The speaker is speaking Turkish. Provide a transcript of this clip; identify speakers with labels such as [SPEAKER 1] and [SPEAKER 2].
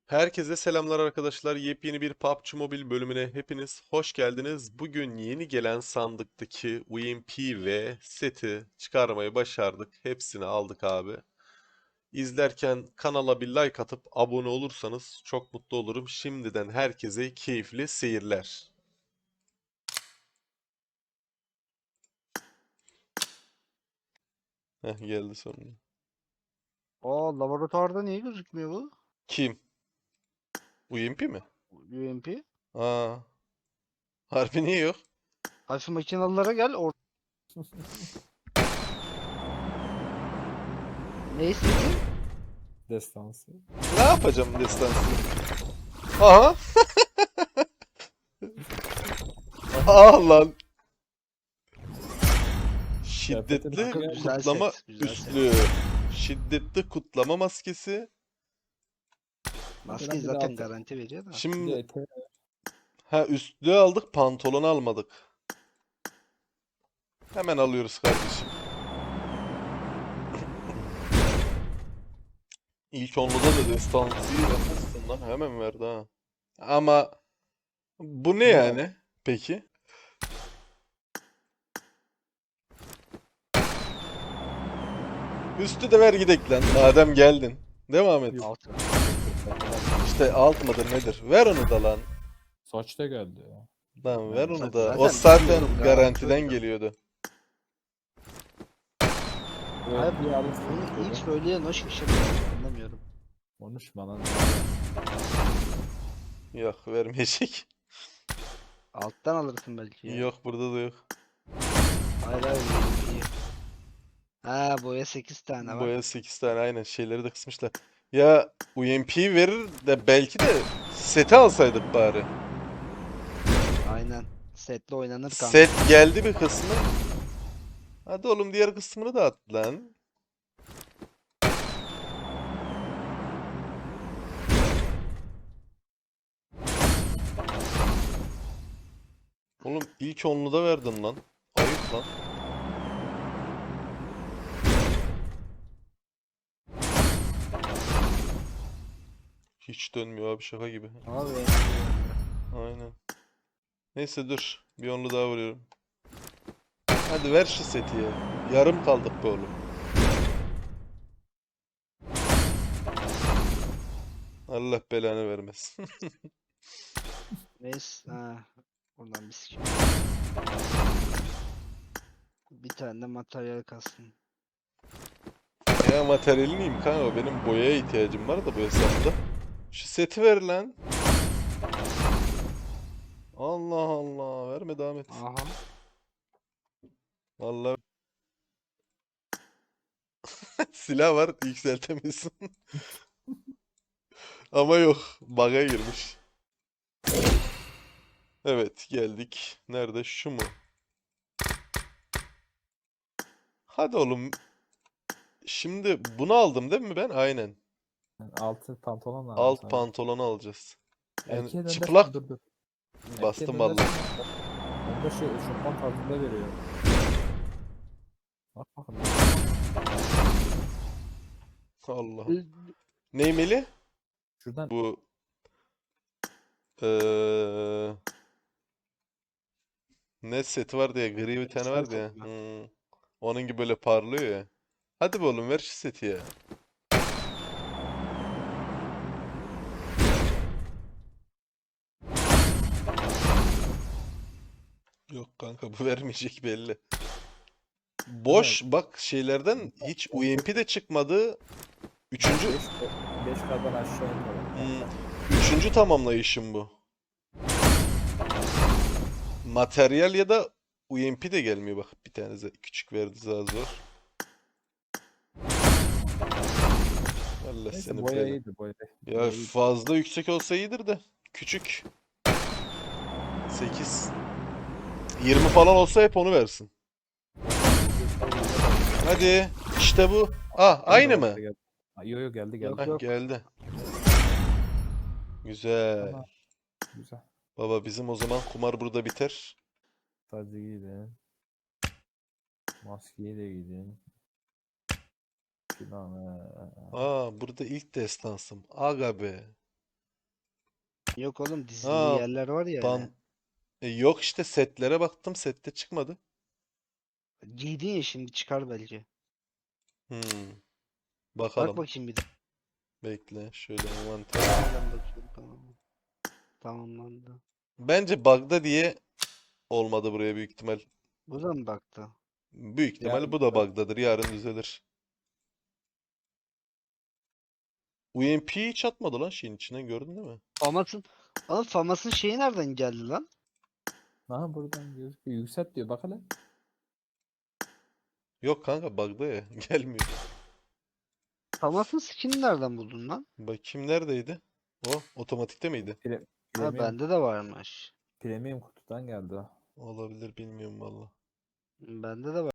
[SPEAKER 1] Herkese selamlar arkadaşlar. Yepyeni bir PUBG Mobile bölümüne hepiniz hoş geldiniz. Bugün yeni gelen sandıktaki UMP ve seti çıkarmayı başardık. Hepsini aldık abi. İzlerken kanala bir like atıp abone olursanız çok mutlu olurum. Şimdiden herkese keyifli seyirler. Heh, geldi sonunda.
[SPEAKER 2] Aa, laboratuvarda niye gözükmüyor bu?
[SPEAKER 1] Kim? UMP mi?
[SPEAKER 2] UMP.
[SPEAKER 1] Aa, harbi niye yok?
[SPEAKER 2] Hafif makinalılara gel. Ne istedin?
[SPEAKER 3] Destansı.
[SPEAKER 1] Ne yapacağım destansı? Aha! Aa lan!
[SPEAKER 3] Kıyafetin
[SPEAKER 1] Şiddetli
[SPEAKER 3] hakkı
[SPEAKER 2] Güzel
[SPEAKER 1] kutlama
[SPEAKER 2] set. Güzel set.
[SPEAKER 1] üstlüğü. Şiddetli kutlama maskesi.
[SPEAKER 2] Maskeyi
[SPEAKER 3] bir de
[SPEAKER 2] zaten
[SPEAKER 3] altı.
[SPEAKER 2] garanti veriyor da.
[SPEAKER 3] Bir
[SPEAKER 1] Şimdi
[SPEAKER 3] de eteği.
[SPEAKER 1] üstlüğü aldık, pantolonu almadık. Hemen alıyoruz kardeşim. İlk onluda da destansıyı vermezsin lan. Hemen verdi ha. Ama bu ne
[SPEAKER 3] Ne
[SPEAKER 1] yani? Peki. Üstü de ver gidek lan. Madem geldin. Devam et.
[SPEAKER 3] Yok.
[SPEAKER 2] Altı.
[SPEAKER 1] İşte alt mıdır nedir? Ver onu da lan.
[SPEAKER 3] Saç da geldi ya.
[SPEAKER 1] Lan ver onu da. O
[SPEAKER 2] Zaten
[SPEAKER 1] zaten
[SPEAKER 2] bilmiyorum,
[SPEAKER 1] garantiden
[SPEAKER 2] garanti.
[SPEAKER 1] geliyordu.
[SPEAKER 3] Evet,
[SPEAKER 2] Abi
[SPEAKER 3] bir alırsın
[SPEAKER 2] bunu ilk
[SPEAKER 3] dedi.
[SPEAKER 2] söyleyen o şey anlamıyorum.
[SPEAKER 3] Konuşma lan.
[SPEAKER 1] Yok vermeyecek.
[SPEAKER 2] Alttan alırsın belki ya.
[SPEAKER 1] Yok burada da yok.
[SPEAKER 2] Hayır hayır UMP'yi. Ha, boya 8 tane var.
[SPEAKER 1] Boya 8 tane aynen şeyleri de kısmışlar. Ya UMP verir de belki de seti alsaydık bari.
[SPEAKER 2] Aynen. Setle oynanır kanka.
[SPEAKER 1] Set geldi bir kısmı. Hadi oğlum diğer kısmını da at lan. Oğlum ilk onlu da verdin lan. Ayıp lan. Hiç dönmüyor abi şaka gibi.
[SPEAKER 2] Abi
[SPEAKER 1] Aynen. Neyse dur. Bir onlu daha vuruyorum. Hadi ver şu seti ya. Yarım kaldık be oğlum. Allah belanı vermesin.
[SPEAKER 2] neyse. Ha, buradan bir sikim. Bir tane de materyal kalsın.
[SPEAKER 1] Ya materyali miyim kanka? Benim boyaya ihtiyacım var da bu hesapta. Şu seti ver lan. Allah Allah. Verme devam et.
[SPEAKER 2] Aha.
[SPEAKER 1] Vallahi silah var yükseltemiyorsun. Ama yok. Bug'a girmiş. Evet geldik. Nerede? Şu mu? Hadi oğlum. Şimdi bunu aldım değil mi ben? Aynen.
[SPEAKER 3] Yani altı pantolon lazım
[SPEAKER 1] Alt
[SPEAKER 3] sana.
[SPEAKER 1] pantolonu alacağız. Yani
[SPEAKER 3] Erkeğe
[SPEAKER 1] çıplak
[SPEAKER 3] döndersen dur. Erkeğe
[SPEAKER 1] bastım vallahi.
[SPEAKER 3] döndersen onda şey eşofman tarzında veriyor. Bak bakın.
[SPEAKER 1] Allah'ım. Neymeli?
[SPEAKER 3] Şuradan
[SPEAKER 1] Bu eee ne seti vardı ya? Gri bir tane
[SPEAKER 2] Kristal
[SPEAKER 1] vardı ya.
[SPEAKER 2] topla.
[SPEAKER 1] Onun gibi böyle parlıyor ya. Hadi be oğlum ver şu seti ya. Yok kanka bu vermeyecek belli. Boş bak şeylerden hiç UMP de çıkmadı. Üçüncü
[SPEAKER 3] 5 kadar aşağı iniyor.
[SPEAKER 1] üçüncü tamamlayışım bu. Materyal ya da UMP de gelmiyor bak. Bir tane küçük verdi daha zor. Allah
[SPEAKER 3] Neyse
[SPEAKER 1] seni
[SPEAKER 3] boya
[SPEAKER 1] bela.
[SPEAKER 3] iyiydi boya.
[SPEAKER 1] Ya
[SPEAKER 3] Boya iyiydi.
[SPEAKER 1] fazla yüksek olsa iyidir de. Küçük. 8. 20 falan olsa hep onu versin. Hadi. İşte bu. Ah aynı mı?
[SPEAKER 3] Yo yo geldi geldi.
[SPEAKER 2] Yok
[SPEAKER 1] Heh,
[SPEAKER 2] yok.
[SPEAKER 1] geldi. Güzel.
[SPEAKER 3] Tamam. Güzel.
[SPEAKER 1] Baba bizim o zaman kumar burada biter.
[SPEAKER 3] Sadece giydim. Maskeyi de giydim. Şuradan
[SPEAKER 1] Aa burada ilk destansım. Aga be.
[SPEAKER 2] Yok oğlum dizili
[SPEAKER 1] Ha,
[SPEAKER 2] yerler var ya
[SPEAKER 1] ban
[SPEAKER 2] hani.
[SPEAKER 1] yok işte setlere baktım sette çıkmadı.
[SPEAKER 2] Giydin ya şimdi çıkar belki.
[SPEAKER 1] Hmm,
[SPEAKER 2] Bak
[SPEAKER 1] bakalım.
[SPEAKER 2] bakayım bir de.
[SPEAKER 1] Bekle şöyle envanter.
[SPEAKER 2] Nereden bakıyorum tamam. Tamamlandı.
[SPEAKER 1] Bence bug'da diye olmadı buraya büyük ihtimal.
[SPEAKER 2] Bu da mı baktı?
[SPEAKER 1] Büyük ihtimal
[SPEAKER 3] Yarın
[SPEAKER 1] bu da bug'dadır. Yarın düzelir. UMP hiç atmadı lan şeyin içinden gördün değil mi?
[SPEAKER 2] Famas'ın Oğlum Famas'ın şeyi nereden geldi lan?
[SPEAKER 3] Aha buradan gözüküyor. Yükselt diyor. Bak hele.
[SPEAKER 1] Yok kanka bug'da ya. Gelmiyor.
[SPEAKER 2] Famas'ın skin'i nereden buldun lan?
[SPEAKER 1] Bakayım neredeydi? O otomatikte miydi?
[SPEAKER 2] Ha
[SPEAKER 3] Premium,
[SPEAKER 2] bende de varmış.
[SPEAKER 3] premium kutudan geldi o.
[SPEAKER 1] Olabilir bilmiyorum valla.
[SPEAKER 2] Bende de var.